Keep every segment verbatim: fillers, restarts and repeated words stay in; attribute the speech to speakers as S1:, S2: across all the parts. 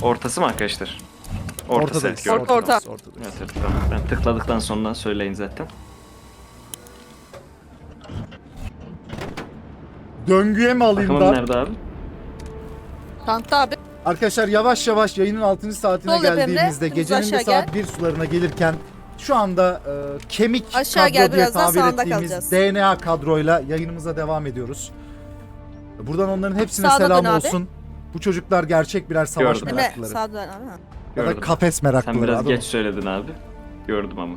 S1: Ortası mı arkadaşlar? Ortası.
S2: Ortadayız.
S1: Evet,
S3: Orta, orta.
S2: Ortadayız.
S1: evet, evet, tamam. Ben tıkladıktan sonra söyleyin zaten.
S2: Döngüye mi alayım
S1: Takımın
S2: da?
S1: nerede abi?
S3: Tankta abi.
S2: Arkadaşlar yavaş yavaş yayının altıncı saatine
S3: Sol yapayım
S2: geldiğimizde
S3: de,
S2: gecenin
S3: aşağı
S2: de saat
S3: gel.
S2: bir sularına gelirken şu anda e, kemik
S3: Aşağı
S2: kadro
S3: gel,
S2: diye
S3: birazdan
S2: tabir
S3: sağında
S2: ettiğimiz
S3: kalacağız.
S2: D N A kadroyla yayınımıza devam ediyoruz. Buradan onların hepsine
S3: Sağda
S2: selam
S3: dön abi.
S2: olsun. Bu çocuklar gerçek birer savaş
S1: Gördüm.
S3: Emre
S2: meraklıları.
S3: sağa dön abi.
S2: Ya da
S1: Gördüm.
S2: kafes
S1: Sen
S2: meraklıları.
S1: biraz
S2: adam.
S1: geç söyledin abi. Gördüm ama.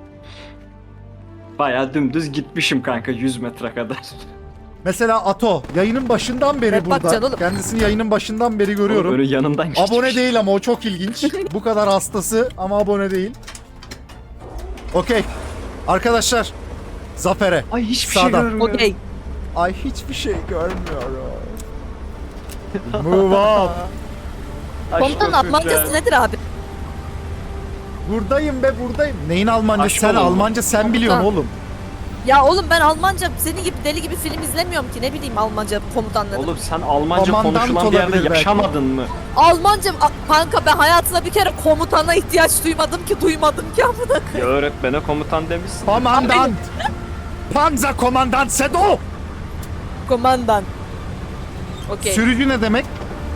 S1: Bayağı dümdüz gitmişim kanka yüz metre kadar.
S2: Mesela Ato yayının başından beri
S3: Evet, bak
S2: burada.
S3: canım.
S2: Kendisini yayının başından beri görüyorum.
S1: Böyle yanından geçmiş.
S2: Abone değil ama o çok ilginç. Bu kadar hastası ama abone değil. Okey. Arkadaşlar. Zafere.
S1: Ay hiçbir
S2: Sağdan.
S1: şey görmüyorum.
S3: Okey.
S2: Ay hiçbir şey görmüyorum. Move on.
S1: Aşk
S3: Komutanın
S1: olsun
S3: Almancası
S1: ya.
S3: nedir abi?
S2: Buradayım be buradayım. Neyin Almanca?
S1: Aşk
S2: Sen
S1: olun.
S2: Almanca sen biliyorsun
S3: Komutan.
S2: oğlum.
S3: Ya oğlum ben Almanca senin gibi deli gibi film izlemiyorum ki, ne bileyim Almanca komutanları.
S1: Oğlum sen Almanca
S2: Komandant
S1: konuşulan bir yerde
S2: olabilir belki.
S1: yaşamadın mı?
S3: Almanca a- kanka, ben hayatımda bir kere komutana ihtiyaç duymadım ki duymadım ki amına
S1: Ya
S3: koyayım.
S1: öğretmene komutan demişsin.
S2: Komandant. Panzer Komandant Sedo.
S3: Komandan. Okey.
S2: Sürücü ne demek?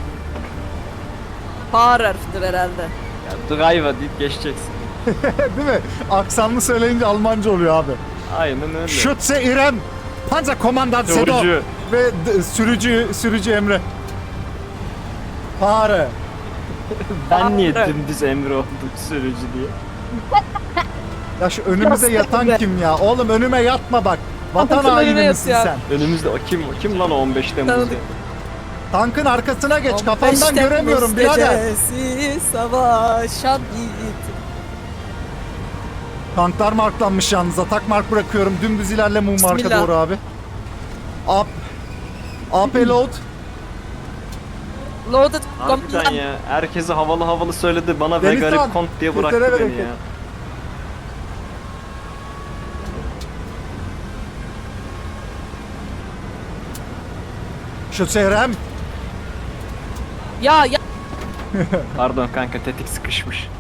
S3: Fahrer'dir herhalde.
S1: Ya driver deyip geçeceksin.
S2: Değil mi? Aksanlı söyleyince Almanca oluyor abi.
S1: Aynen öyle.
S2: Schütze İrem. Panzer Komandant Sedo.
S1: Sürücü.
S2: Ve d- sürücü sürücü Emre. Fare.
S1: Ben niye
S3: Evet.
S1: dümdüz Emre oldum sürücü diye?
S2: Ya şu önümüze
S3: Yastık
S2: yatan
S3: be.
S2: kim ya? Oğlum önüme yatma bak. Vatan
S3: Altın önüne
S2: haini misin
S3: yatıyor.
S2: sen?
S1: Önümüzde o kim? O kim lan o on beş Temmuz'da?
S3: Tanıdık.
S2: Tankın arkasına geç.
S3: on beş
S2: Kafandan
S3: Temmuz
S2: göremiyorum birader.
S3: gecesi savaşan yiğit.
S2: Tanklar marklanmış yalnız. Atak mark bırakıyorum. Dümdüz ilerle mum marka
S3: Bismillah.
S2: doğru abi. Up. A P load.
S3: Loaded
S1: Harbiden
S3: komutan.
S1: ya. Herkese havalı havalı söyledi. Bana ve
S2: Denizhan,
S1: garip kont diye bıraktı
S2: Türklere
S1: beni
S2: bereket.
S1: ya.
S2: Schütze İrem.
S3: Ya ya.
S1: Pardon kanka tetik sıkışmış.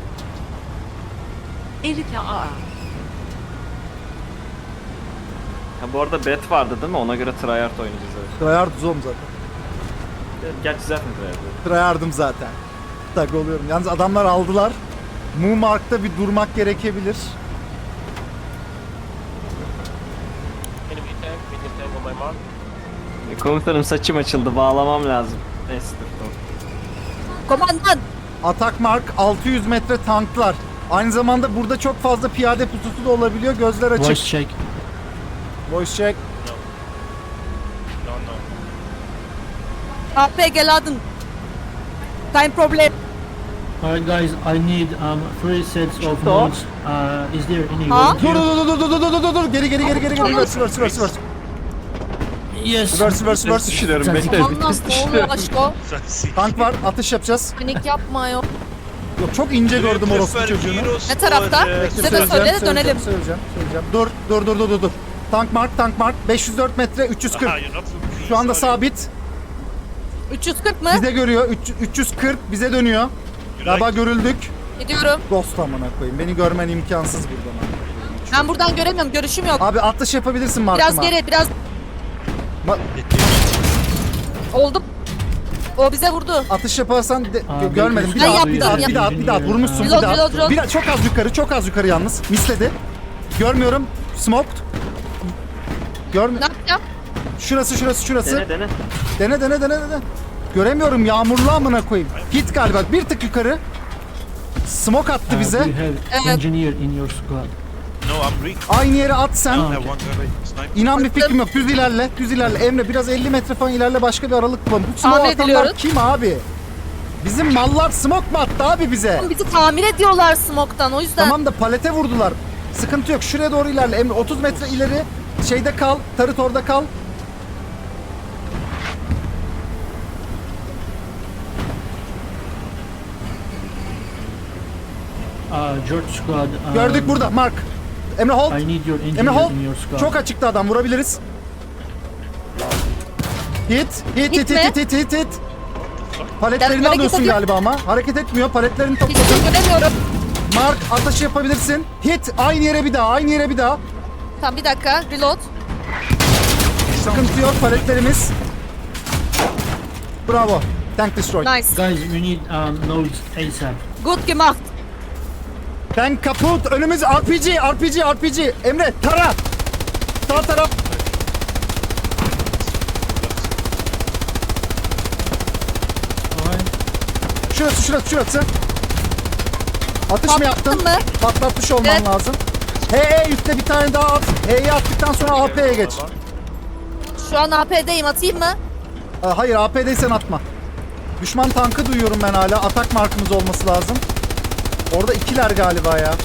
S1: Ha bu arada bet vardı değil mi? Ona göre tryhard oynayacağız evet.
S2: Tryhard zom zaten.
S1: Gerçi zaten tryhard.
S2: Tryhard'ım zaten. Tak oluyorum. Yalnız adamlar aldılar. Mu markta bir durmak gerekebilir.
S4: Enemy tank, medium tank on my mark.
S1: E, Komutanım saçım açıldı. Bağlamam lazım. Neyse dur tamam.
S3: Komandan.
S2: Atak mark altı yüz metre tanklar. Aynı zamanda burada çok fazla piyade pususu da olabiliyor. Gözler açık.
S5: Voice check.
S2: Voice check.
S4: No, no.
S3: A P gel adın. Time problem.
S5: Alright guys, I need um three sets of
S1: Stop.
S5: modes. Uh, is there any
S3: Huh?
S2: Dur
S5: volunteer?
S2: dur dur dur dur dur dur dur dur geri geri geri geri geri reverse reverse reverse reverse
S5: Yes.
S2: reverse reverse
S1: Vites
S2: reverse
S1: düşürüyorum.
S5: Sen-
S1: Bekle
S3: Allah
S1: vites
S3: ne oluyor
S1: düşürüyorum.
S3: aşko?
S2: tank var atış yapacağız.
S3: Panik yapma yok.
S2: Yok çok ince gördüm orospu çocuğunu.
S3: Ne tarafta?
S2: Bekle,
S3: Bize de
S2: söyleyeceğim,
S3: söyle de
S2: söyleyeceğim,
S3: dönelim.
S2: Söyleyeceğim, söyleyeceğim. Dur dur dur dur dur dur. Tank mark tank mark beş yüz dört metre üç yüz kırk. Şu anda sabit.
S3: üç yüz kırk mı?
S2: Bize görüyor. üç- üç yüz kırk bize dönüyor. Galiba görüldük.
S3: Gidiyorum.
S2: Dost amına koyayım. Beni görmen imkansız buradan.
S3: Ben buradan göremiyorum. Görüşüm yok.
S2: Abi atış yapabilirsin markıma.
S3: Biraz geri, biraz
S2: Ma-
S3: oldu. O bize vurdu.
S2: atış yaparsan de-
S5: Aa,
S2: gö- görmedim. Bir
S3: Ben
S2: daha,
S3: yaptım,
S2: bir daha, bir daha, bir daha, vurmuşsun bir
S3: Reload,
S2: daha.
S3: reload, reload.
S2: Bir daha, çok az yukarı, çok az yukarı yalnız. Misledi. Görmüyorum. Smoked. Görmüyorum.
S3: Ne yapacağım?
S2: Şurası, şurası, şurası.
S1: Dene dene.
S2: Dene, dene, dene, dene. Göremiyorum. Yağmurlu amına koyayım. Hit galiba. Bir tık yukarı. Smoke attı
S5: Uh,
S2: bize.
S5: do you have
S3: Evet.
S5: engineer in your squad?
S4: No, I'm weak.
S2: Aynı yere at sen.
S5: Aa.
S4: I have one guy. Sniper.
S2: İnan bir fikrim yok. Düz ilerle. Düz ilerle. Emre biraz elli metre falan ilerle. Başka bir aralık bulalım. Bu smoke
S3: Tahmin
S2: atanlar
S3: ediliyoruz.
S2: kim abi? Bizim mallar smoke mu attı abi bize?
S3: Bizi tamir ediyorlar smoke'tan, o yüzden.
S2: Tamam da palete vurdular. Sıkıntı yok. Şuraya doğru ilerle. Emre otuz metre ileri. Şeyde kal. Tarıt orada kal.
S5: Uh, George squad. Um,
S2: Gördük burada. Mark. Emre hold.
S5: I need your
S2: Emre
S5: engineer
S2: hold.
S5: in your squad.
S2: Çok açıkta adam. Vurabiliriz. Hit. Hit hit
S3: Hit
S2: hit
S3: mi?
S2: hit hit hit hit. Paletlerini
S3: Ben
S2: alıyorsun
S3: hareket
S2: galiba ama. Hareket etmiyor. Paletlerini
S3: Hiçbir
S2: topladın.
S3: şey göremiyorum.
S2: Mark ateşi yapabilirsin. Hit aynı yere bir daha. Aynı yere bir daha.
S3: Tamam bir dakika. Reload.
S2: Sıkıntı yok paletlerimiz. Bravo. Tank destroyed.
S3: Nice.
S5: Guys, we need um, nodes ASAP.
S3: Good gemacht.
S2: Tank kaput. Önümüz R P G. R P G. R P G. Emre tara. Sağ taraf.
S5: Alright.
S2: Şurası şurası şurası. Atış mı yaptın?
S3: Patlattın mı?
S2: Patlatmış olman
S3: Evet.
S2: lazım. H E üstte bir tane daha at. H'yi attıktan sonra A P'ye geç.
S3: Şu an A P'deyim. Atayım mı?
S2: Aa, hayır A P'deysen atma. Düşman tankı duyuyorum ben hala. Atak markımız olması lazım. Orada ikiler galiba ya.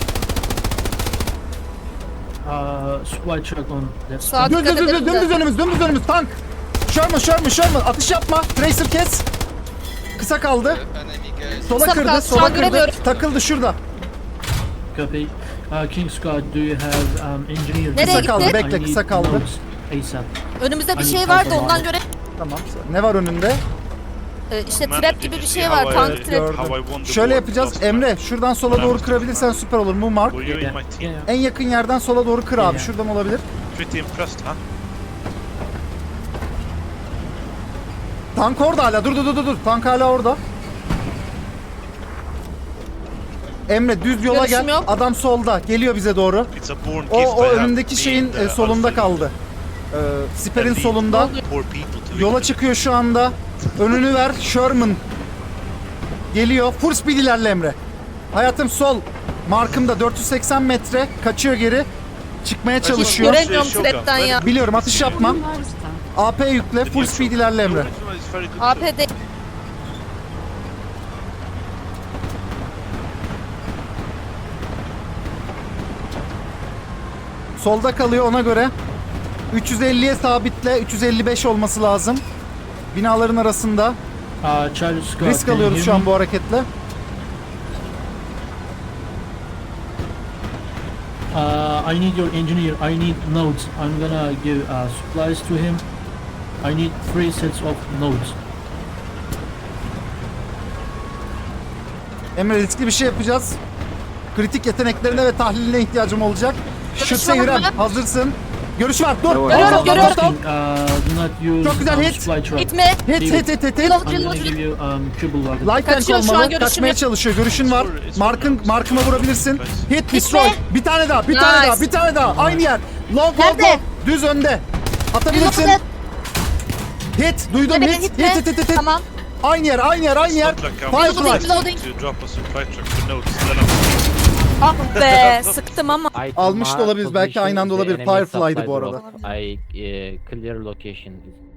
S5: Uh, supply truck on that
S3: Sağa
S2: Düz
S3: dikkat
S2: düz düz
S3: edelim
S2: dümdüz
S3: de.
S2: önümüz dümdüz önümüz tank. Sherman Sherman Sherman atış yapma. Tracer kes. Kısa kaldı. Sola
S3: Kısa
S2: kırdı
S3: kaldı, şu
S2: sola
S3: an
S2: kırdı.
S3: göremiyorum.
S2: Takıldı şurada.
S5: copy. Uh, King Scott, do you have um, engineer?
S3: Nereye
S2: Kısa kaldı
S3: gitti?
S2: bekle
S5: I
S2: kısa
S5: need
S2: kaldı.
S5: nodes ASAP.
S3: Önümüzde bir
S5: Hani
S3: şey vardı
S5: kaldı
S3: ondan
S5: abi.
S3: göre.
S2: Tamam. Ne var önünde?
S3: Ee, işte trap gibi bir şey var. Tank trap.
S2: Gördüm. Şöyle yapacağız. Emre şuradan sola doğru kırabilirsen süper olur. Mu Mark.
S6: Were you in my team?
S5: Yeah.
S2: En yakın yerden sola doğru kır abi.
S5: Yeah.
S2: Şuradan olabilir.
S6: Pretty impressed, huh?
S2: Tank orada hala. Dur dur dur dur, dur. Tank hala orada. Emre düz yola
S3: Görüşüm
S2: gel.
S3: yok.
S2: Adam solda. Geliyor bize doğru.
S6: It's a born
S2: O
S6: gift
S2: o
S6: I have
S2: önündeki
S6: being
S2: şeyin
S6: the
S2: e, solunda
S6: alpha
S2: kaldı. Ee, siperin
S6: and lead
S2: solunda.
S6: poor people to
S2: Yola
S6: victory.
S2: çıkıyor şu anda. Önünü ver. Sherman. Geliyor. Full speed ilerle Emre. Hayatım sol. Markımda dört yüz seksen metre. Kaçıyor geri. Çıkmaya çalışıyor.
S3: Göremiyorum
S6: Shogun.
S3: trap'ten ya.
S2: Biliyorum atış yapma. A P yükle. Full speed ilerle
S6: The
S2: Emre.
S6: original is very good
S3: A
S6: too.
S3: P'de.
S2: Solda kalıyor ona göre. üç yüz elliye sabitle. üç yüz elli beş olması lazım. Binaların arasında.
S5: Uh, Charlie Scott,
S2: Risk
S5: can you
S2: alıyoruz
S5: hear
S2: şu
S5: me?
S2: an bu hareketle.
S5: Uh, I need your engineer. I need nodes. I'm gonna give uh, supplies to him. I need three sets of nodes.
S2: Emre riskli bir şey yapacağız. Kritik yeteneklerine ve tahliline ihtiyacım olacak. Şutse
S3: var
S2: İrem
S3: mı?
S2: hazırsın. Görüş var. Dur.
S1: Görüyorum,
S2: Stop, stop,
S3: görüyorum.
S2: stop.
S5: Uh, do not use
S2: Çok güzel
S5: um,
S2: hit.
S5: supply truck.
S3: Gitme.
S2: Hit hit hit hit hit.
S3: Reload,
S5: I'm gonna
S3: reload,
S5: give
S3: reload.
S5: you um, triple wagon.
S2: Light tank
S3: Kaçıyor şu an,
S2: olmalı.
S3: görüşüm
S2: Kaçmaya
S3: yok.
S2: çalışıyor. Görüşün var. Markın markıma vurabilirsin. Hit
S3: Gitme.
S2: destroy. Bir tane daha. Bir tane
S3: Nice.
S2: daha. Bir tane daha. Aynı yer. Long long
S3: Nerede?
S2: long. Düz önde. Atabilirsin.
S3: Reload.
S2: Hit. Duydum
S3: Gitme,
S2: hit.
S3: gitme.
S2: Hit hit hit hit. hit.
S3: Tamam.
S2: Aynı yer. Aynı yer. Aynı yer.
S6: Not like I'm
S2: Firefly.
S3: Reloading, reloading.
S6: to drop a supply truck for notes. Then I'm
S3: Ah be sıktım ama.
S2: Almış da olabiliriz. Belki aynı anda olabilir. Firefly'dı bu arada.
S7: I uh, clear location.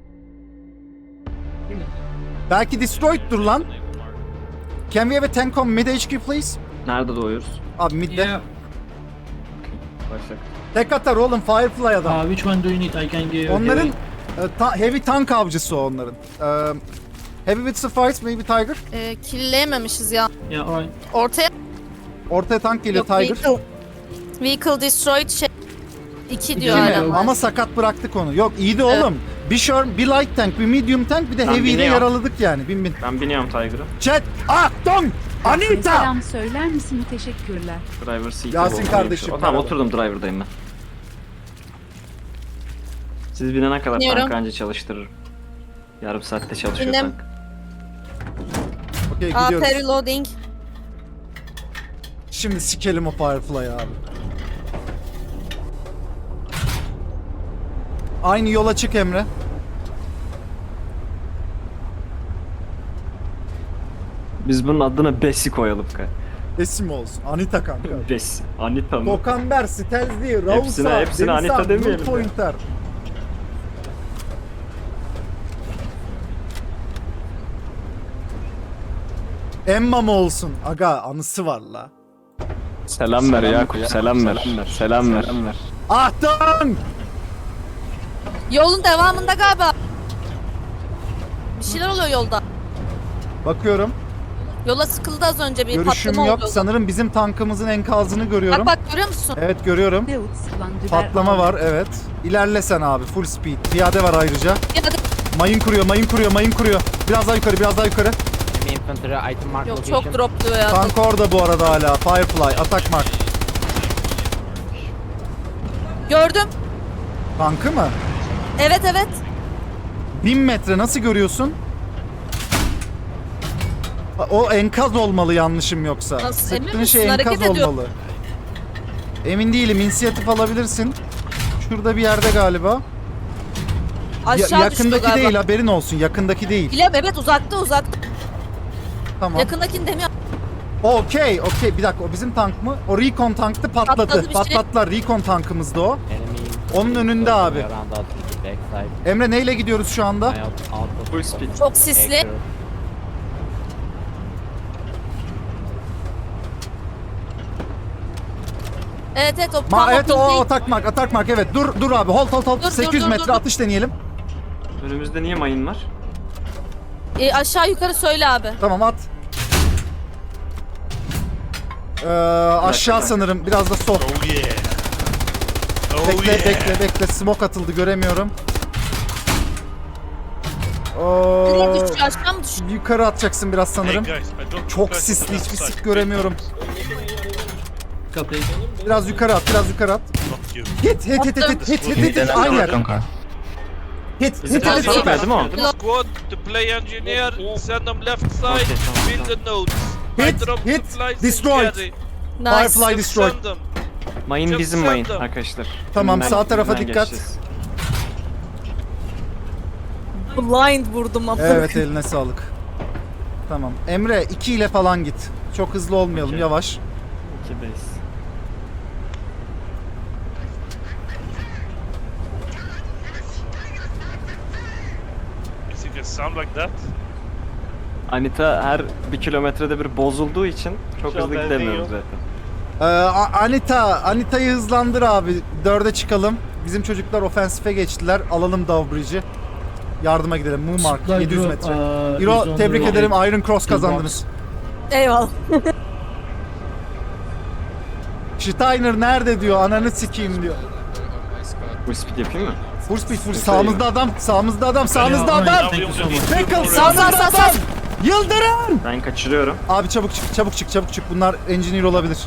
S2: Belki destroyed'dur lan. Can we have a tank on mid H Q please?
S1: Nerede doğuyoruz?
S2: Abi midde.
S5: Yeah.
S1: Başak.
S2: Tek atar oğlum Firefly adam.
S5: Uh, which one do you need? I can give.
S2: Onların
S5: give-
S2: e, ta- heavy tank avcısı o onların. E, heavy with suffice maybe Tiger.
S3: Ee, killeyememişiz ya.
S5: Yeah, alright.
S3: Ortaya.
S2: Ortaya tank geliyor
S3: Yok,
S2: Tiger.
S3: Vehicle. Vehicle destroyed şey. İki diyor
S2: İki mi?
S3: hala.
S2: Ama sakat bıraktık onu. Yok iyiydi oğlum. Bir sure, bir light tank, bir medium tank, bir de
S1: Ben
S2: heavy'yi de
S1: biniyorum.
S2: yaraladık yani. Bin bin.
S1: Ben biniyorum Tiger'a.
S2: Chat, Achtung! Anita!
S8: Selam söyler misin? Teşekkürler.
S1: Driver seat'e
S2: Yasin
S1: oturayım
S2: kardeşim,
S1: şu- O, tamam
S2: merhaba.
S1: oturdum driver'dayım ben. Siz binene kadar
S3: Biniyorum.
S1: tank anca çalıştırırım. Yarım saatte çalışıyor
S3: Bindim.
S1: tank.
S2: Okey
S3: A
S2: gidiyoruz.
S3: P reloading.
S2: Şimdi sikelim o Firefly abi. Aynı yola çık Emre.
S1: Biz bunun adına Bessi koyalım ka.
S2: Esim olsun. Anita kanka.
S1: Bessi. Anita mı?
S2: Dokanber, Stelzli, Rausa,
S1: Hepsine- hepsine
S2: Denizhan,
S1: Anita demeyelim
S2: Blue
S1: ya.
S2: Pointer. Emma mı olsun? Aga anısı var la.
S1: Selam ver Yakup, selam ver. Selam ver.
S2: Achtung!
S3: Yolun devamında galiba. Bir şeyler oluyor yolda.
S2: Bakıyorum.
S3: Yola sıkıldı az önce bir
S2: Görüşüm
S3: patlama
S2: yok.
S3: oldu.
S2: Sanırım bizim tankımızın enkazını görüyorum.
S3: Bak bak görüyor musun?
S2: Evet görüyorum.
S8: Deutz van Düber
S2: Patlama var evet. İlerle sen abi full speed. Piyade var ayrıca.
S3: Ya da
S2: Mayın kuruyor, mayın kuruyor, mayın kuruyor. Biraz daha yukarı, biraz daha yukarı.
S7: Enemy infantry item mark
S3: Yok
S7: location.
S3: çok dropluyor ya.
S2: Tank orada bu arada hala. Firefly, atak mark.
S3: Gördüm.
S2: Tankı mı?
S3: Evet evet.
S2: bin metre nasıl görüyorsun? O enkaz olmalı yanlışım yoksa.
S3: Nasıl, emin
S2: Sıktığın
S3: misin?
S2: şey
S3: Hareket
S2: enkaz
S3: ediyor.
S2: olmalı. Emin değilim. İnisiyatif alabilirsin. Şurada bir yerde galiba. Ya-
S3: Aşağı düştü
S2: yakındaki
S3: galiba.
S2: değil, haberin olsun. Yakındaki değil.
S3: Bilem evet uzakta uzakta.
S2: Tamam.
S3: Yakındakini demiyor.
S2: Okey, okey. Bir dakika, o bizim tank mı? O recon tanktı, patladı.
S3: Patladı bir şey.
S2: Patlattılar. Recon tankımızdı o.
S7: Enemy
S2: Onun önünde abi.
S7: around us with the backside.
S2: Emre neyle gidiyoruz şu anda?
S7: My out- outpost
S1: Full speed.
S3: Çok sisli.
S7: acre.
S3: Evet evet o
S2: Ma
S3: tam
S2: evet
S3: o
S2: o
S3: ping
S2: atak mark, atak mark. Evet, dur dur abi. Hold hold hold.
S3: Dur, dur,
S2: sekiz yüz
S3: dur,
S2: metre
S3: dur, dur.
S2: atış deneyelim.
S1: Önümüzde niye mayın var?
S3: E, aşağı yukarı söyle abi.
S2: Tamam at. Ee, aşağı
S1: dakika.
S2: sanırım. Biraz da sol.
S6: Oh yeah. Oh
S2: Bekle
S6: yeah.
S2: bekle bekle. Smoke atıldı, göremiyorum. Oo,
S3: Nereye düşüyor? Aşağı mı düşüyor?
S2: yukarı atacaksın biraz
S6: Hey
S2: sanırım.
S6: guys, I dropped
S2: Çok
S6: supplies
S2: sisli,
S6: on the
S2: hiçbir
S6: left
S2: sik
S6: side.
S2: göremiyorum.
S5: Copy.
S2: Biraz yukarı at, biraz yukarı at.
S6: Not you.
S2: Hit hit hit hit hit hit hit hit hit. Aynı yer. Hit
S1: Bizi
S2: hit hit
S1: takip
S2: hit.
S1: etmedi değil mi o?
S4: Squad to play engineer, send them left side,
S1: Okay, tamam,
S4: build the nodes.
S2: Hit,
S4: I drop
S2: hit,
S4: supplies
S2: destroyed.
S4: in carry.
S3: Nice.
S2: Firefly destroyed.
S4: Send them.
S1: Mayın
S4: Just
S1: bizim
S4: send
S1: mayın
S4: them.
S1: arkadaşlar.
S2: Tamam,
S1: Önünden-
S2: sağ tarafa
S1: önünden
S2: dikkat.
S1: geçeceğiz.
S3: Blind vurdum ama.
S2: Evet, eline sağlık. Tamam. Emre iki ile falan git. Çok hızlı olmayalım,
S1: Okey.
S2: yavaş.
S1: İkideyiz.
S6: You think it sound like that?
S1: Anita her bir kilometrede bir bozulduğu için çok
S4: Şu an
S1: hızlı
S4: benzin
S1: gidemiyoruz
S4: yok.
S1: zaten.
S2: Ee, A- Anita, Anita'yı hızlandır abi. Dörde çıkalım. Bizim çocuklar ofensife geçtiler. Alalım Dowbridge'i. Yardıma gidelim. Mumark
S5: Supply
S2: yedi yüz
S5: drop,
S2: metre.
S5: uh, is
S2: Hero,
S5: on
S2: tebrik
S5: the
S2: ederim.
S5: road.
S2: Iron Cross
S5: Two
S2: kazandınız.
S3: Eyvallah.
S2: Steiner nerede diyor. Ananı sikeyim diyor.
S1: Full speed yapayım mı?
S2: Full speed full. Sağımızda adam. Sağımızda adam. Sağımızda
S5: Yeah,
S2: adam.
S5: thank you so much.
S2: Pickle
S3: Sağ, sağ,
S2: sağımızda
S3: sağ, sağ.
S2: adam. Yıldırım.
S1: Ben kaçırıyorum.
S2: Abi çabuk çık, çabuk çık, çabuk çık. Bunlar engineer olabilir.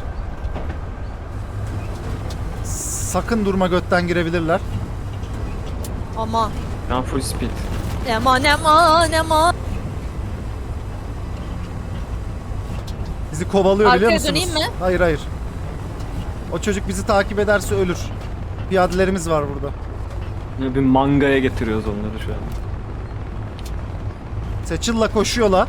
S2: Sakın durma, götten girebilirler.
S3: Aman.
S1: Ben full speed.
S3: Aman aman aman.
S2: Bizi kovalıyor, biliyor
S3: Arkaya
S2: musunuz?
S3: döneyim mi?
S2: Hayır hayır. O çocuk bizi takip ederse ölür. Piyadelerimiz var burada.
S1: Ne bir mangaya getiriyoruz onları şu an.
S2: Seçil'la koşuyorlar.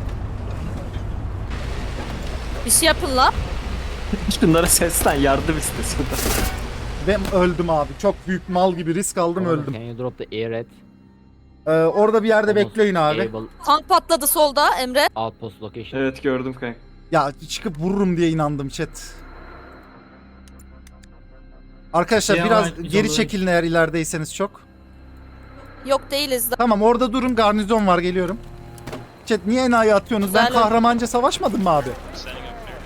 S3: Bir şey yapın la.
S1: Şunlara seslen yardım istesin.
S2: Ve öldüm abi. Çok büyük mal gibi risk aldım, öldüm.
S7: Can you drop the air at
S2: Ee, orada bir yerde
S7: almost
S2: bekleyin abi.
S7: able
S3: Tank patladı solda Emre.
S7: outpost location?
S1: Evet gördüm kanka.
S2: Ya çıkıp vururum diye inandım chat. Arkadaşlar
S5: Ya,
S2: biraz
S5: ben-
S2: geri
S5: biz
S2: çekilin eğer ilerideyseniz çok.
S3: Yok değiliz de.
S2: Tamam, orada durun, garnizon var, geliyorum. Chat niye enayi atıyorsunuz? Ben
S3: Güzel.
S2: kahramanca savaşmadım mı abi?
S6: Standing up here.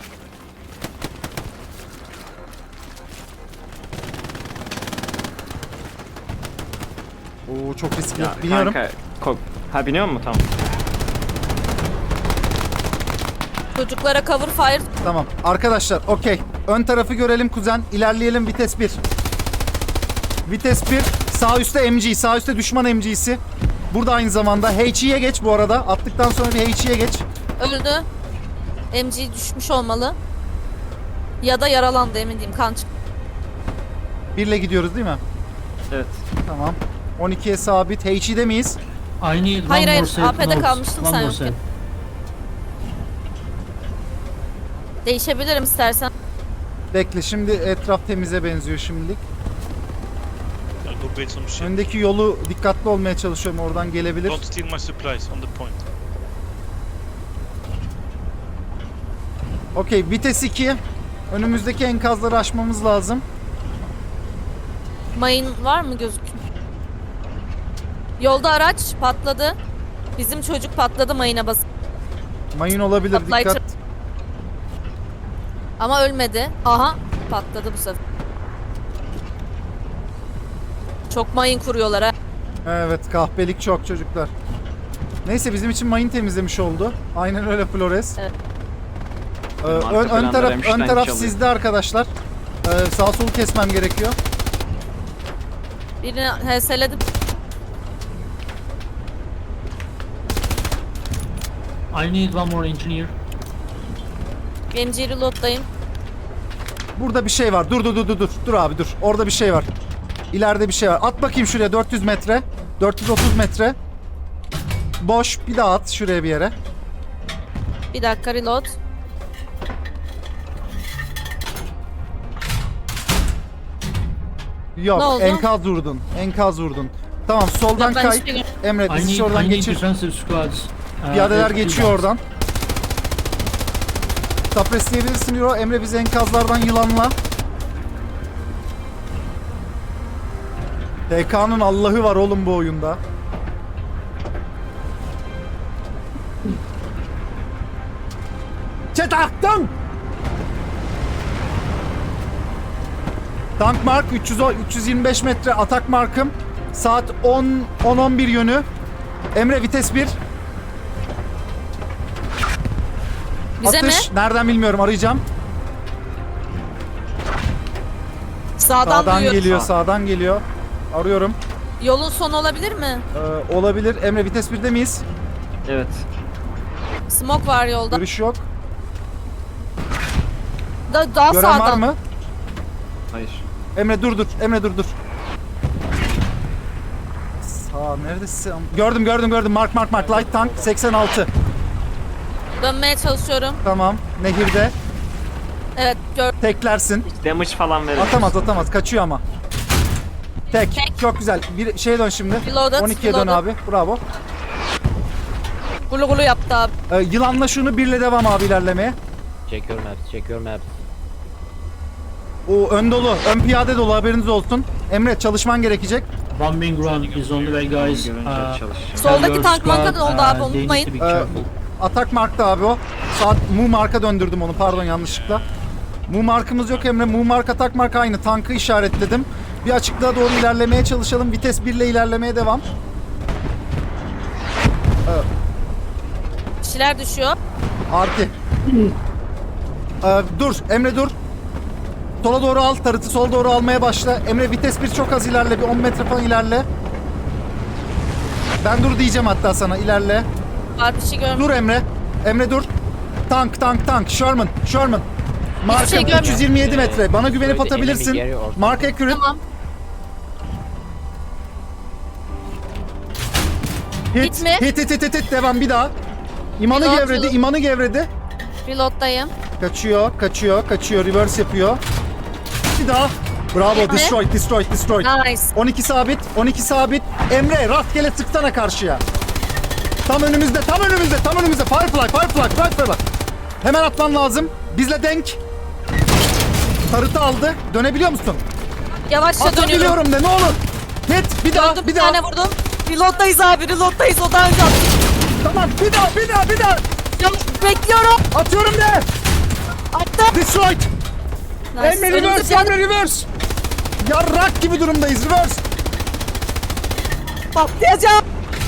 S2: Oo çok riskli.
S1: Ya
S2: Biniyorum.
S1: kanka. Ko- ha biniyor mu? Tamam.
S3: Çocuklara cover fire.
S2: Tamam. Arkadaşlar okey. Ön tarafı görelim kuzen. İlerleyelim, vites bir. Vites bir. Sağ üstte M G. Sağ üstte düşman M G'si. Burada aynı zamanda. H E'ye geç bu arada. Attıktan sonra bir H E'ye geç.
S3: Öldü. M G düşmüş olmalı. Ya da yaralandı, emin değilim. Kan çıktı.
S2: Birle gidiyoruz değil mi?
S1: Evet.
S2: Tamam. on ikiye sabit. H E'de miyiz?
S5: I need one
S3: Hayır, hayır,
S5: more set
S3: A P'de
S5: notes.
S3: kalmıştım,
S5: One
S3: sen
S5: more
S3: yokken.
S5: set.
S3: Değişebilirim istersen.
S2: Bekle, şimdi etraf temize benziyor şimdilik.
S6: I'll go build some shit.
S2: Öndeki yolu dikkatli olmaya çalışıyorum. Oradan gelebilir.
S6: Don't steal my supplies on the point.
S2: Okey, vites iki. Önümüzdeki enkazları aşmamız lazım.
S3: Mayın var mı gözüküyor? Yolda araç patladı. Bizim çocuk patladı mayına basıp.
S2: Mayın olabilir,
S3: Patlayıcı.
S2: dikkat.
S3: Ama ölmedi. Aha, patladı bu sefer. Çok mayın kuruyorlar ha.
S2: Evet, kahpelik çok çocuklar. Neyse bizim için mayın temizlemiş oldu. Aynen öyle Flores.
S3: Evet.
S2: Ee, ön,
S1: Arka
S2: ön
S1: planda
S2: taraf
S1: Rammstein
S2: ön taraf
S1: çalıyor.
S2: sizde arkadaşlar. Ee, sağ solu kesmem gerekiyor.
S3: Birini heseledim.
S5: I need one more engineer.
S3: M G reload'dayım.
S2: Burada bir şey var. Dur dur dur dur dur. Dur abi dur. Orada bir şey var. İleride bir şey var. At bakayım şuraya dört yüz metre. dört yüz otuz metre. Boş. Bir daha at şuraya bir yere.
S3: Bir dakika reload.
S2: Yok,
S3: Ne oldu?
S2: enkaz vurdun. Enkaz vurdun. Tamam, soldan
S3: Yok, ben
S2: kay.
S3: hiçbir gün-
S2: Emre
S5: I
S2: bizi
S5: need,
S2: oradan
S5: I need
S2: geçir.
S5: defensive squads. Uh,
S2: Piyadeler
S5: with
S2: geçiyor
S5: two guns.
S2: oradan. Tapresleyebilirsin Euro. Emre bizi enkazlardan yılanla. T K'nın Allah'ı var oğlum bu oyunda. Çetaktım. Tank mark üç yüz, üç yüz yirmi beş metre atak markım. Saat on on on bir yönü. Emre vites bir.
S3: Bize
S2: Atış
S3: mi?
S2: nereden bilmiyorum, arayacağım.
S3: Sağdan,
S2: Sağdan
S3: duyuyorum.
S2: geliyor, sağdan geliyor. Arıyorum.
S3: Yolun sonu olabilir mi?
S2: Ee, olabilir. Emre vites birde miyiz?
S1: Evet.
S3: Smoke var yolda.
S2: Görüş yok.
S3: Da, daha
S2: Gören
S3: sağdan.
S2: var mı?
S1: Hayır.
S2: Emre dur dur. Emre dur dur. Sağ neredesin? Gördüm gördüm gördüm. Mark mark mark. Light tank seksen altı.
S3: Dönmeye çalışıyorum.
S2: Tamam. Nehirde.
S3: Evet gör.
S2: Teklersin.
S1: Damage falan verir.
S2: Atamaz atamaz. Kaçıyor ama. Tek.
S3: Tek.
S2: Çok güzel. Bir şeye dön şimdi.
S3: Reloaded,
S2: on ikiye dön
S3: reloaded.
S2: abi. Bravo.
S3: Gulu gulu yaptı abi.
S2: Ee, yılanla şunu birle devam abi ilerlemeye.
S7: Check your maps, check your maps.
S2: O ön dolu. Ön piyade dolu, haberiniz olsun. Emre çalışman gerekecek.
S5: One wing run is on the way, guys.
S1: Görünce
S5: Uh,
S1: çalışacağım.
S5: tell
S3: Soldaki
S5: your
S3: tank
S5: squad,
S3: marka da oldu
S5: uh,
S3: abi,
S5: they need to
S3: unutmayın.
S5: be
S2: Ee,
S5: careful.
S2: Atak markta abi o. Saat mu marka döndürdüm onu, pardon yanlışlıkla. Mu markımız yok Emre. Mu mark atak mark aynı. Tankı işaretledim. Bir açıklığa doğru ilerlemeye çalışalım. Vites bir ile ilerlemeye devam.
S3: Bir şeyler düşüyor.
S2: Artı. Ee, dur Emre dur. Sola doğru al. Tarıtı sola doğru almaya başla. Emre vites bir çok az ilerle. Bir on metre falan ilerle. Ben dur diyeceğim hatta sana. İlerle.
S3: Var bir şey görmüyorum.
S2: Dur Emre. Emre dur. Tank tank tank. Sherman. Sherman. Marka
S3: şey görmüyorum.
S2: üç yüz yirmi yedi metre. Bana güvenip
S7: Şöyle
S2: atabilirsin.
S7: enemy geri orta.
S2: Mark accurate.
S3: Tamam.
S2: Hit.
S3: Hit mi?
S2: Hit hit hit hit hit. Devam bir daha. İmanı
S3: Reload,
S2: gevredi.
S3: reload.
S2: İmanı gevredi.
S3: Reload'dayım.
S2: Kaçıyor. Kaçıyor. Kaçıyor. Reverse yapıyor. Bir daha. Bravo.
S3: Hit mi?
S2: Destroy. Destroy. Destroy.
S3: Nice.
S2: on iki sabit. on iki sabit. Emre rastgele tıksana karşıya. Tam önümüzde. Tam önümüzde. Tam önümüzde. Firefly. Firefly. Firefly. Hemen atman lazım. Bizle denk. Tarıtı aldı. Dönebiliyor musun?
S3: Yavaşça dönüyorum.
S2: Atabiliyorum de ne olur. Hit. Bir daha.
S3: Döndüm,
S2: Bir
S3: bir
S2: daha.
S3: tane vurdum. Reload'dayız abi. Reload'dayız. O daha önce attı.
S2: Tamam. Bir daha. Bir daha. Bir daha.
S3: Ya, bekliyorum.
S2: Atıyorum de.
S3: Attım.
S2: Destroyed.
S3: Nice.
S2: Emre
S3: Önümüzde
S2: reverse.
S3: bir adam
S2: Emre reverse. Yarrak gibi durumdayız. Reverse.
S3: patlayacağım.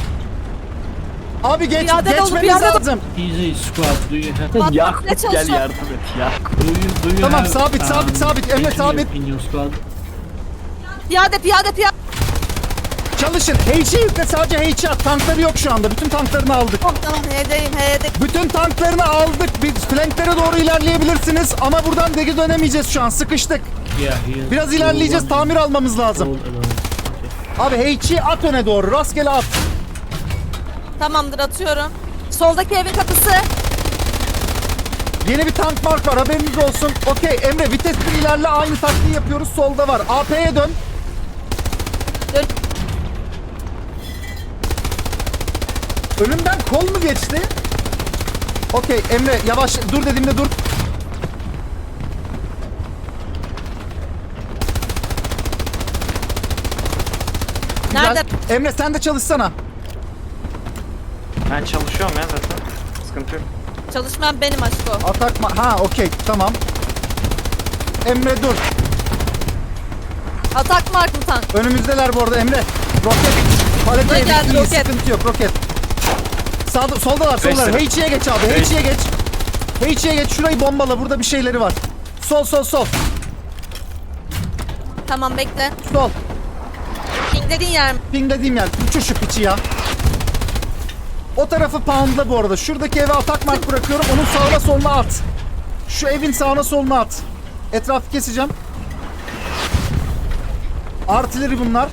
S2: Abi geç,
S3: Piyade dolu,
S2: geçmemiz
S3: piyade dolu.
S2: lazım.
S5: Easy squad. Do you have?
S3: Patlatmaya
S1: Yakup gel
S3: çalışıyorum.
S1: yardım et ya.
S5: Do you, do you
S2: Tamam,
S5: have,
S2: sabit, sabit, sabit. Emre,
S5: engineer
S2: sabit.
S5: in your squad?
S3: Piyade piyade piyade.
S2: Çalışın. H'yi yükle, sadece H'yi at. Tankları yok şu anda. Bütün tanklarını aldık.
S3: Oh, tamam H'deyim H'de.
S2: Bütün tanklarını aldık. Biz flanklere doğru ilerleyebilirsiniz. Ama buradan geri dönemeyeceğiz şu an. Sıkıştık.
S5: Yeah, he is.
S2: Biraz ilerleyeceğiz.
S5: All
S2: Tamir almamız
S5: alone.
S2: lazım.
S5: All alone.
S2: Abi H'yi at öne doğru. Rastgele at.
S3: Tamamdır atıyorum. Soldaki evin kapısı.
S2: Yeni bir tank mark var. Haberiniz olsun. Okey Emre vites bir ilerle. Aynı taktiği yapıyoruz. Solda var. A P'ye dön.
S3: Dön.
S2: Önümden kol mu geçti? Okey Emre yavaş dur dediğimde dur. Güzel.
S3: Nerede?
S2: Emre sen de çalışsana.
S1: Ben çalışıyorum ya zaten. Sıkıntı yok.
S3: Çalışmayan benim aşko.
S2: Atak ma- ha okey tamam. Emre dur.
S3: Atak mark mı tank?
S2: Önümüzdeler bu arada Emre. Roket. Palete yedik,
S3: geldi,
S2: iyi,
S3: roket.
S2: sıkıntı yok, roket. Sağda, soldalar, soldalar.
S1: Tracer.
S2: H E'ye geç abi, H E'ye geç. H E'ye geç, şurayı bombala, burada bir şeyleri var. Sol, sol, sol,
S3: Tamam bekle.
S2: sol.
S3: Ping dediğin yer mi?
S2: Ping dediğim yer, uçur şu piçi ya. O tarafı poundla bu arada. Şuradaki eve atak mark bırakıyorum, onun sağına soluna at. Şu evin sağına soluna at. Etrafı keseceğim. Artileri bunlar.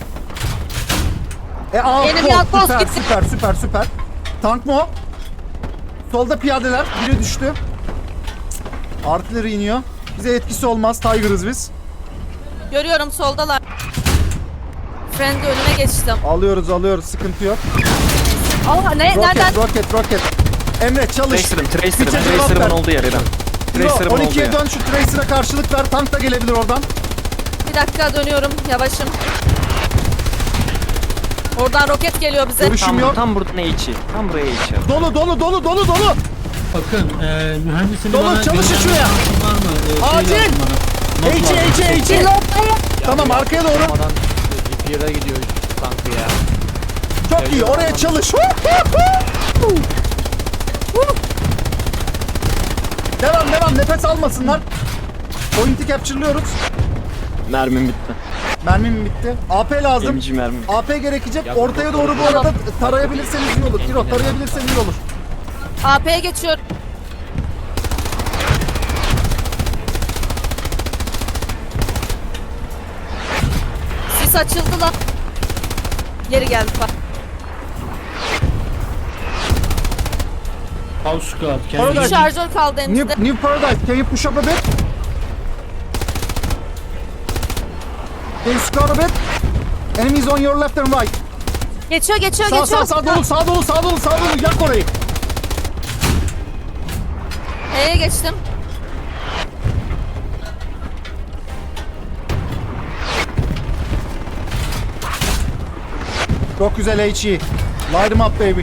S2: E aa,
S3: Yeni
S2: kol.
S3: bir outpost
S2: süper,
S3: gitti.
S2: süper süper süper. Tank mı o? Solda piyadeler. Biri düştü. Artileri iniyor. Bize etkisi olmaz. Tiger'ız biz.
S3: Görüyorum soldalar. Friendly önüne geçtim.
S2: Alıyoruz alıyoruz. Sıkıntı yok.
S3: Aa ne?
S2: Roket
S3: Nereden?
S2: roket roket. Emre çalış.
S1: Tracer'ım, Tracer'ım,
S2: Piçe cevap
S1: Tracer'ımın
S2: ver.
S1: olduğu yer İrem.
S2: Yo,
S1: Tracer'ımın
S2: on
S1: olduğu
S2: ikiye
S1: yer.
S2: dön, şu Tracer'a karşılık ver. Tank da gelebilir oradan.
S3: Bir dakika dönüyorum. Yavaşım. Oradan roket geliyor bize.
S2: Görüşüm
S1: Tam,
S2: yok.
S1: tam burada ne içi? Tam buraya içi.
S2: Dolu dolu dolu dolu dolu.
S5: Bakın e, mühendisini
S2: Dolu,
S5: bana
S2: çalışın
S5: gönderme
S2: şuraya.
S5: şansın var mı? E,
S2: Acil.
S5: Şey lazım bana. Not
S2: H
S5: lazım.
S2: H H. Tamam arkaya doğru.
S7: Olmadan Repair'a gidiyor tankı ya.
S2: Çok iyi. Oraya çalış. Devam devam. Nefes almasınlar. Point'i capture'lıyoruz.
S1: Mermim bitti.
S2: Mermim bitti. A P lazım.
S1: M G mermim.
S2: A P gerekecek.
S7: Ya,
S2: Ortaya doğru bu arada tarayabilirseniz iyi olur. Kiro tarayabilirseniz iyi olur.
S3: A P'ye geçiyorum. Sis açıldı lan. Geri geldi bak.
S5: House Squad.
S3: Bir
S2: Orada-
S5: Kendisi.
S3: şarjör kaldı elimizde.
S2: New, new Paradise. Can you push up a bit? Can you score a bit? Enemies on your left and right.
S3: Geçiyor geçiyor
S2: Sağ
S3: geçiyor.
S2: sağ sağ dolu sağ dolu sağ dolu sağ dolu. Yak orayı.
S3: E'ye geçtim.
S2: Çok güzel H E. Light 'em up baby.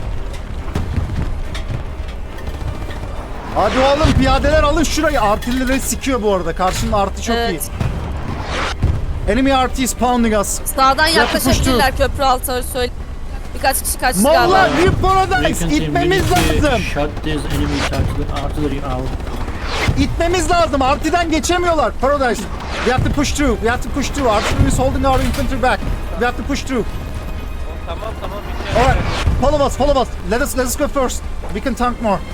S2: Hadi oğlum piyadeler alın şurayı. Artillery sikiyor bu arada. Karşının artı çok
S3: Evet.
S2: iyi. Enemy R T is pounding us.
S3: Sağdan
S2: Yapıştır.
S3: yaklaşabilirler köprü altı söyle. Birkaç kişi kaçtı
S2: Molla
S3: galiba.
S2: New
S5: We
S2: Paradise.
S5: can see
S2: İtmemiz
S5: we need to
S2: lazım.
S5: shut this enemy artillery- artillery out.
S2: İtmemiz lazım. Artiden geçemiyorlar. Paradise. We have to push through. We have to push through. Artillery is holding our infantry back. We have to push through.
S4: Tamam tamam. bir şey
S2: Alright. Follow us. Follow us. Let us let us go first. We can tank more.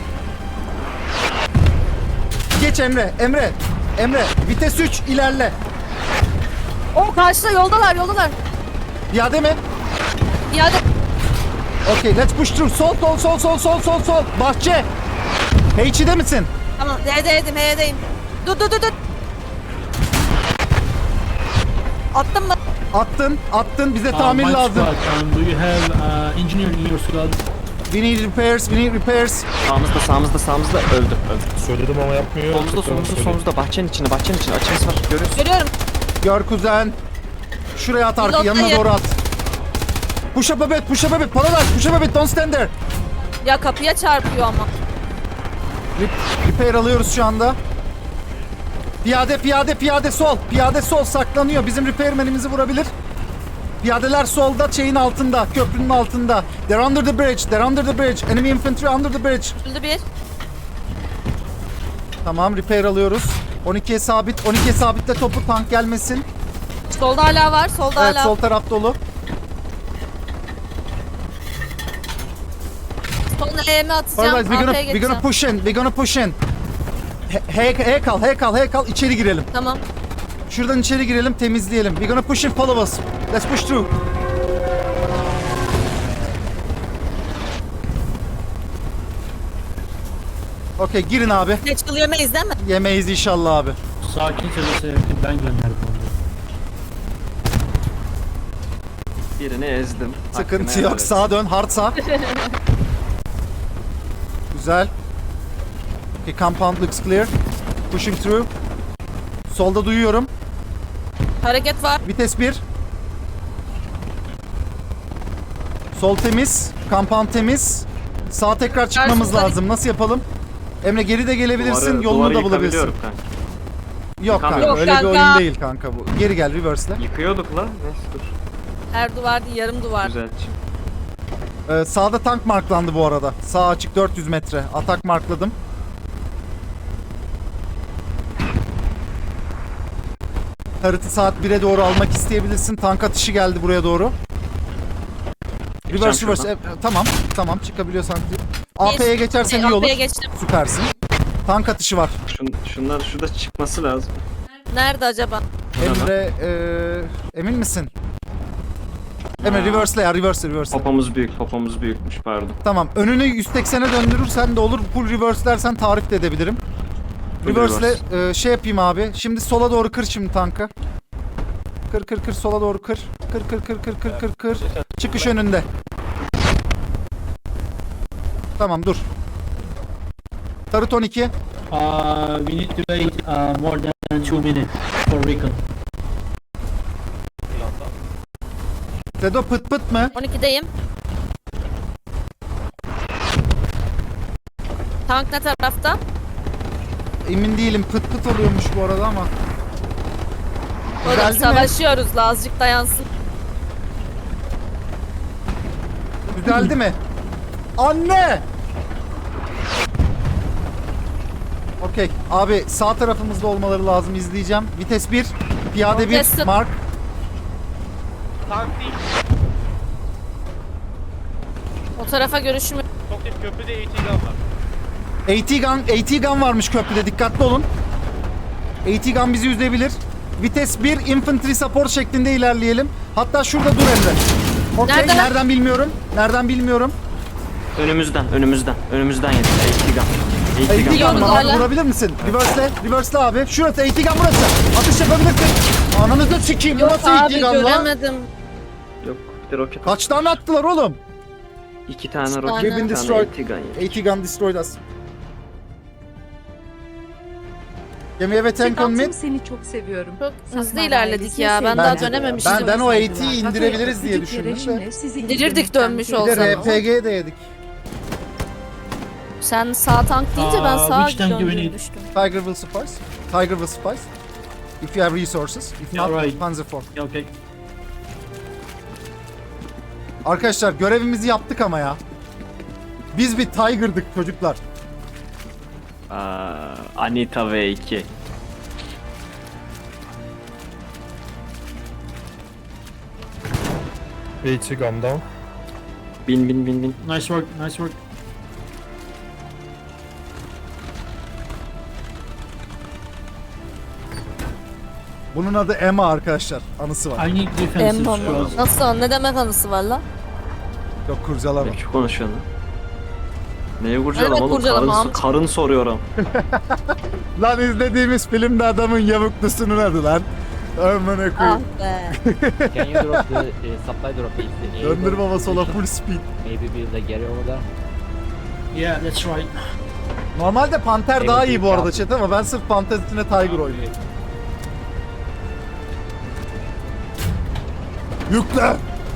S2: Geç Emre. Emre. Emre. Vites üç ilerle.
S3: O karşıda yoldalar yoldalar.
S2: Piyade mi?
S3: İade.
S2: Okay, let's push through. Sol, sol, sol, sol, sol, sol, sol. Bahçe. H E'de misin?
S3: Tamam D'deydim H'deyim. Dur dur dur dur. Attım mı?
S2: Attın, attın. Bize
S5: Uh,
S2: tamir
S5: my
S2: lazım.
S5: squad, um, do you have uh, engineer in your squad?
S2: We need repairs, we need repairs.
S1: Sağımızda, sağımızda, sağımızda öldü, öldü.
S9: Söyledim ama yapmıyor.
S1: Solumuzda,
S9: Tekrar
S1: solumuzda,
S9: söyle.
S1: solumuzda. Bahçenin içinde, bahçenin içinde. Açımız var, görüyorsun.
S3: Görüyorum.
S2: Gör kuzen. Şuraya at arka,
S3: Reload'dayım.
S2: yanına doğru at. Push up a bit, push up a bit. Paradise, push up a bit. Don't stand there.
S3: Ya kapıya çarpıyor ama.
S2: Rep- repair alıyoruz şu anda. Piyade, piyade, piyade sol. Piyade sol saklanıyor. Bizim repairmanimizi vurabilir. Piyadeler solda, şeyin altında, köprünün altında. They're under the bridge, they're under the bridge. Enemy infantry under the bridge.
S3: Öldü bir.
S2: Tamam, repair alıyoruz. on ikiye sabit, on ikiye sabitle topu, tank gelmesin.
S3: Solda hala var. Solda
S2: Evet,
S3: hala.
S2: sol taraf dolu.
S3: Soluna E'mi atacağım.
S2: Alright, we're gonna,
S3: Arkaya
S2: we're gonna
S3: geçeceğim.
S2: push in, we're gonna push in. He, he, he kal, he kal, he kal, içeri girelim.
S3: Tamam.
S2: Şuradan içeri girelim, temizleyelim. We're gonna push in, follow us. Let's push through. Okey, girin abi.
S3: Geçkıl yemeyiz değil mi?
S2: Yemeyiz inşallah abi.
S5: Sakin söylese ben gönderdim onu.
S1: Birini ezdim.
S2: Sıkıntı
S1: Hakkını
S2: yok.
S1: helal et.
S2: Sağa dön. Hard sağ. Güzel. Okay, compound looks clear. Pushing through. Solda duyuyorum.
S3: Hareket var.
S2: Vites bir. Sol temiz. Compound temiz. Sağ tekrar çıkmamız
S3: Karşımızda-
S2: lazım. Nasıl yapalım? Emre geri de gelebilirsin.
S1: Duvarı-
S2: Yolunu
S1: duvarı
S2: da bulabilirsin.
S1: yıkabiliyorum kanka.
S2: Yok kanka.
S1: Yok
S2: Öyle bir
S3: kanka.
S2: oyun değil kanka bu. Geri gel reverse'le.
S1: Yıkıyorduk la. Neyse dur.
S3: Her duvar değil, yarım duvar.
S1: Güzel.
S2: Ee, sağda tank marklandı bu arada. Sağ açık dört yüz metre. Atak markladım. Tarıtı saat bire doğru almak isteyebilirsin. Tank atışı geldi buraya doğru. Reverse reverse.
S1: şuradan.
S2: E, tamam. Tamam çıkabiliyorsan. A P'ye geçersen iyi olur.
S3: A P'ye geçtim.
S2: Süpersin. Tank atışı var.
S1: Şun, şunlar şurada çıkması lazım.
S3: Nerede acaba?
S2: Emre e, emin misin? Emre
S1: Ha.
S2: reverse'le ya reverse reverse.
S1: Popomuz büyük, popomuz büyükmüş pardon.
S2: Tamam. Önünü yüz seksene döndürürsen de olur. Full reverse dersen tarif de edebilirim.
S1: Full
S2: Reverse'le e, şey yapayım abi. Şimdi sola doğru kır şimdi tankı. Kır kır kır sola doğru kır. Kır kır kır kır kır kır kır. Çıkış önünde. Tamam dur. Tarıt on iki.
S5: Uh, we need to wait uh, more than two minutes for recon.
S2: Sedo pıt pıt mı?
S3: on ikideyim. Tank ne tarafta?
S2: Emin değilim. Pıt pıt oluyormuş bu arada ama.
S3: Oğlum
S2: Geldi mi?
S3: savaşıyoruz la, azıcık dayansın.
S2: Düzeldi mi? Anne! Okey. Abi sağ tarafımızda olmaları lazım. İzleyeceğim. Vites bir. Piyade bir.
S3: Vites-
S2: Mark.
S4: Tank değil.
S3: O tarafa görüşüm.
S4: Çok değil, köprüde A T gun var.
S2: A T gun, A T gun varmış köprüde. Dikkatli olun. A T gun bizi üzebilir. Vites bir. Infantry support şeklinde ilerleyelim. Hatta şurada dur Emre. Okey.
S3: Nerede?
S2: Nereden bilmiyorum. Nereden bilmiyorum.
S1: Önümüzden, önümüzden, önümüzden yedi. A T gun.
S2: A
S1: A
S2: T
S1: T gun.
S2: gun
S3: Biliyorum
S2: var. Abi
S3: hala.
S2: vurabilir misin? Reverse'le. Reverse'le abi. Şurası A T gun burası. Atış yapabilirsin. Ananızı sikeyim. Bu
S3: Yok
S2: nasıl A
S3: abi,
S2: T gun lan?
S3: göremedim.
S1: Yok, bir de roket.
S2: Kaç tane attılar oğlum?
S1: İki tane
S3: Üç
S1: roket,
S3: tane.
S1: bir
S2: Been
S1: tane
S2: destroyed.
S1: A T gun yedi.
S2: A T gun destroyed us. Can we have a tank on mid?
S8: Tatlım seni çok seviyorum.
S3: Çok hızlı
S8: Safran
S3: ilerledik
S8: ailesine
S3: ya. Ben
S8: sevgiler.
S3: daha
S2: Bence de.
S3: dönememiştim.
S2: Ben, ben o A T'yi
S8: Saygılar.
S2: indirebiliriz diye
S8: Küçük
S2: düşündüm de.
S8: yarışımla sizi
S3: İndirirdik
S8: indirmekten
S3: dönmüş
S8: keyif
S2: Bir de
S3: olsa.
S8: aldım.
S2: R P G de yedik.
S3: Sen sağ tank deyince ben
S5: Aa,
S3: sağa
S5: which tank do we
S3: döndüğünü
S5: need?
S3: düştüm.
S2: Tiger will suffice. Tiger will suffice. If you have resources. If
S5: Yeah,
S2: not,
S5: right.
S2: Panzer four.
S5: Yeah, okay.
S2: Arkadaşlar görevimizi yaptık ama ya. Biz bir Tiger'dık çocuklar.
S1: Aa, Anita V iki.
S9: A T gun down.
S1: Bin bin bin bin.
S5: Nice work, nice work.
S2: Bunun adı Emma arkadaşlar. Anısı var.
S5: I need defensive
S3: Emma mı?
S5: squads.
S3: Nasıl? Ne demek anısı var la?
S2: Yok kurcalama.
S1: Ne biçim konuşuyorsun lan? Neye kurcalama
S3: Evet,
S1: oğlum?
S3: kurcalama
S1: Karın,
S3: amca.
S1: karın soruyorum.
S2: Lan izlediğimiz filmde adamın yavuklusunun adı lan. Amına
S3: Ah
S2: koyayım.
S3: be.
S7: Can you drop the uh, supply drop is the
S2: Döndür baba sola full speed.
S7: Maybe build a galley over there.
S5: Yeah, that's right.
S2: Normalde Panter daha iyi bu
S7: Evet,
S2: arada
S7: ya.
S2: chat ama ben sırf Panter üstüne Tiger oynuyorum. Yükle!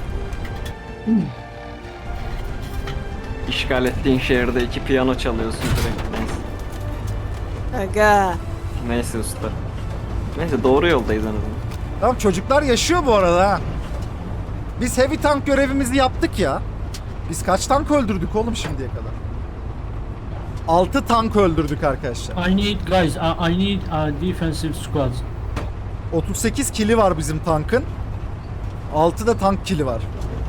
S1: İşgal ettiğin şehirde iki piyano çalıyorsun direkt. Neyse.
S3: Aga.
S1: Neyse usta. Neyse doğru yoldayız en azından.
S2: Tamam çocuklar yaşıyor bu arada ha. Biz heavy tank görevimizi yaptık ya. Biz kaç tank öldürdük oğlum şimdiye kadar? altı tank öldürdük arkadaşlar.
S5: I need guys. I, I need uh, defensive squads.
S2: otuz sekiz kili var bizim tankın. altı da tank kili var.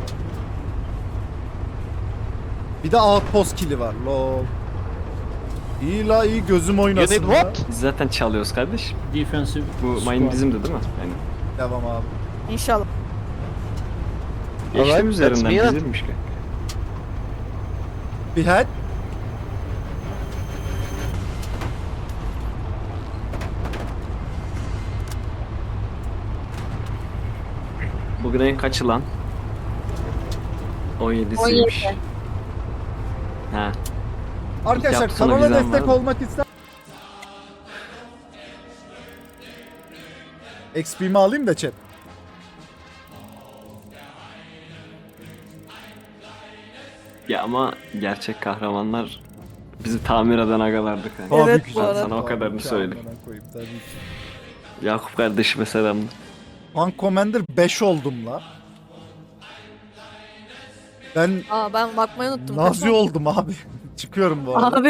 S2: Bir de outpost kili var. Lol. İyi la iyi gözüm oynasın.
S7: You need
S2: la.
S7: what?
S1: Biz zaten çalıyoruz kardeş.
S5: Defensive
S1: Bu
S5: squad.
S1: mine bizimdi değil mi? Yani
S2: Devam abi.
S3: İnşallah.
S1: geçtim
S7: Alright,
S1: üzerinden
S7: let's be it.
S1: bizimmiş ki.
S2: Bir head.
S1: Bugün en kaçı lan? on yedisiymiş. Ha.
S2: Arkadaşlar
S1: yapsana
S2: kanala
S1: bizden
S2: destek
S1: var.
S2: olmak ister. X P'mi alayım da chat.
S1: Ya ama gerçek kahramanlar bizi tamir eden agalardık hani.
S3: Evet,
S2: Tabii ki
S3: bu
S2: canım.
S3: arada.
S1: Sana o kadarını
S2: Tabii ki,
S1: söyleyeyim.
S2: amına koyayım, tabii ki.
S1: Yakup kardeşime selamlar.
S2: Tank Commander beş oldum la. Ben
S3: Aa ben bakmayı unuttum.
S2: Nazi oldum abi. Çıkıyorum bu arada.
S3: Abi